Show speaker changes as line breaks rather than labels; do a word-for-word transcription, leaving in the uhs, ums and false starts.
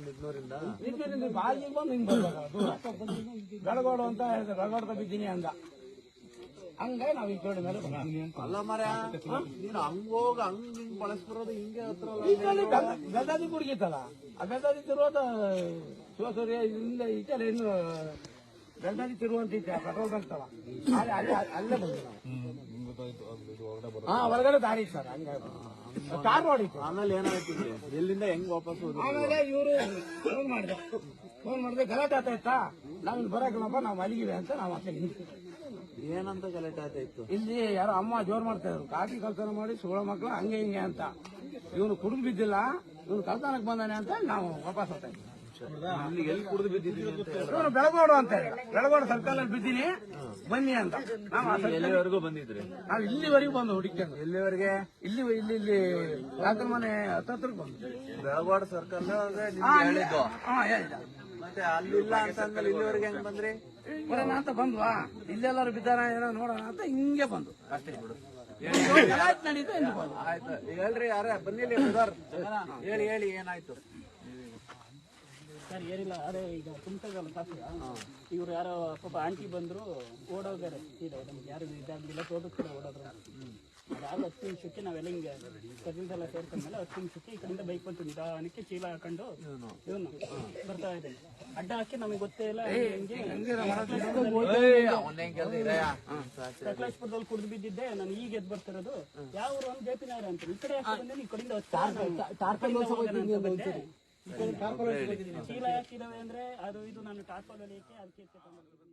ನಿಗ್ನೂರಿಂದ
ನಿಗ್ನೂರಿಂದ ಬಾಗಿಗೆ ಬಂದು ಹಿಂಗ್ ಬರ್ಬೇಕು ದೂರ ಬೆಳಗೋಡು ಅಂತ ಹೇಳಿದ್ರೆ ಬೆಳಗೋಡ್ದ ಬಿದ್ದೀನಿ ಅಂದ ಹಂಗಾಗಿ ನಾವ್ ಈ ಕಡೆ ಮೇಲೆ
ಅಲ್ಲ ಮರ ನೀನು ಹಂಗೋಗ ಹಂಗ್ ಹಿಂಗ್ ಬಳಸ್ಬರೋದು ಹಿಂಗೆ ಹತ್ರ
ಈಚಲ್ಲಿ ಬೆದ್ದಾದಿ ಕುಡುಗಿತ್ತಲ್ಲ ಆ ಬೆದ್ದಾದಿ ತಿರುವಾದ ಶಿವಸೂರ್ಯ ಇದರಿಂದ ಈಚೆ ಇನ್ನು ಬೆದ್ದಾದಿ ತಿರುವಂತ ಈಚೆ ಪೆಟ್ರೋಲ್ ಬಂತಲ್ಲ ಅಲ್ಲಿ ಅಲ್ಲಿ ಅಲ್ಲೇ ಬಂದ್ವಿ ನಾವು. ಹಾ ಹೊರಗಡೆ ದಾರಿ ಸರ್ ಹಂಗಾಗಿ ಕಾರ್ ನೋಡಿತ್ತು.
ಆಮೇಲೆ ಏನಾಯ್ತು ಎಲ್ಲಿಂದ ಹೆಂಗ್ ವಾಪಸ್ ಹೋದ್ರು?
ಆಮೇಲೆ ಇವರು ಫೋನ್ ಮಾಡಿದೆ ಫೋನ್ ಮಾಡಿದ್ರೆ ಗಲಾಟೆ ಆಗ್ತಾಯ್ತಾ ನಾವಿಲ್ಲಿ ಬರಕಲ್ಲಪ್ಪ ನಾವು ಮಲಗಿವೆ ಅಂತ ನಾವು ಮತ್ತೆ ನಿಂತು
ಏನಂತ ಗಲಾಟೆ ಆಯ್ತಾಯ್ತು?
ಇಲ್ಲಿ ಯಾರೋ ಅಮ್ಮ ಜೋರ್ ಮಾಡ್ತಾ ಇದ್ರು ಕಾಫಿ ಕಲ್ತನ ಮಾಡಿ ಸುಳ ಮಕ್ಳು ಹಂಗೆ ಹಿಂಗೆ ಅಂತ ಇವನು ಕುಡಿದು ಬಿದ್ದಿಲ್ಲ ಇವನು ಕಲ್ತಾನಕ್ ಬಂದಾನೆ ಅಂತ ನಾವು ವಾಪಸ್ ಹೋಗ್ತಾ ಇದ್ವಿ.
ಎಲ್ಲಿ ಕುಡಿದು ಬಿದ್ದಿದ್ದೀನಿ
ಇವನು ಬೆಳಗೋಡು ಅಂತ ಹೇಳಿ ಬೆಳಗೋಡು ಸರ್ಕಲ್ ಬಿದ್ದೀನಿ ಬನ್ನಿ ಅಂತ ನಾವು
ಎಲ್ಲಿವರೆಗೂ ಬಂದಿದ್ರಿ?
ನಾವು ಇಲ್ಲಿವರೆಗೂ ಬಂದು ಹುಡುಕೊಂಡು
ಎಲ್ಲಿವರೆಗೆ?
ಇಲ್ಲಿ ಇಲ್ಲಿ ಇಲ್ಲಿ ರಾತ್ರಿ ಮನೆ ಹತ್ತತ್ರಕ್ಕೆ ಬಂದು
ಬೆಳಗೋಡ ಸರ್ಕಲ್ ಹೇಳಿದ್ದು.
ಹಾ ಹೇಳಿದ
ಮತ್ತೆ ಅಲ್ಲಿಲ್ಲ ಅಂತ ಅಂದ್ಮೇಲೆ ಇಲ್ಲಿವರೆಗೆ ಹೆಂಗ್ ಬಂದ್ರಿ?
ಬರೋಣ ಅಂತ ಬಂದ್ವಾ ಇಲ್ಲೆಲ್ಲಾರು ಬಿದ್ದಾರ ಏನೋ ನೋಡೋಣ ಅಂತ ಹಿಂಗೆ ಬಂದು ಅಷ್ಟೇ ನಡೀತಾ ಇನ್ನು ಬಂದು
ಆಯ್ತು ಹೇಳ್ರಿ ಯಾರೇ ಬನ್ನಿಲಿ ಬ್ರದರ್ ಹೇಳಿ ಹೇಳಿ ಏನಾಯ್ತು?
ಸರ್ ಏನಿಲ್ಲ ಅದೇ ಈಗ ತುಂಬ್ತಾಗಲ್ಲ ಕಾಫಿ ಇವ್ರು ಯಾರೋ ಪಾಪ ಆಂಟಿ ಬಂದ್ರು ಓಡೋಗಾರೆ ಸೀದಾ ನಮ್ಗೆ ಯಾರು ಇದಾಗಲಿಲ್ಲ ತೋಟದ ಕಡೆ ಓಡೋದ್ರು. ಅದಾದ ಹತ್ತು ನಿಮಿಷಕ್ಕೆ ನಾವೆಲ್ಲ ಹಿಂಗೆ ಕಸಿನ್ಸ್ ಎಲ್ಲ ಸೇರ್ಕೊಂಡ್ಮೇಲೆ ಹತ್ತು ನಿಮಿಷಕ್ಕೆ ಈ ಕಡೆಯಿಂದ ಬೈಕ್ ಬಂತು ನಿಧಾನಕ್ಕೆ ಚೀಲ ಹಾಕೊಂಡು ಇವನು ಬರ್ತಾ ಇದ್ದೇನೆ ಅಡ್ಡ ಹಾಕಿ ನಮಗೆ ಗೊತ್ತೇ ಇಲ್ಲ ಸಕಲೇಶ್ಪುರದಲ್ಲಿ ಕುಡಿದು ಬಿದ್ದಿದ್ದೆ ನಾನು ಈಗ ಎದ್ದು ಬರ್ತಿರೋದು ಯಾವ ಊರು ಅಂತ ಜೆ ಪಿ ನಗರ ಅಂತ ಈ ಕಡೆ ಬಂದೆ ಈ ಕಡೆಯಿಂದ ಚೀಲ ಯಾಕಿದಾವೆ ಅಂದ್ರೆ ಅದು ಇದು ನಾನು ಟಾರ್ಪಲ್ ಹೊಲಿಯಕ್ಕೆ ಅದಕ್ಕೆ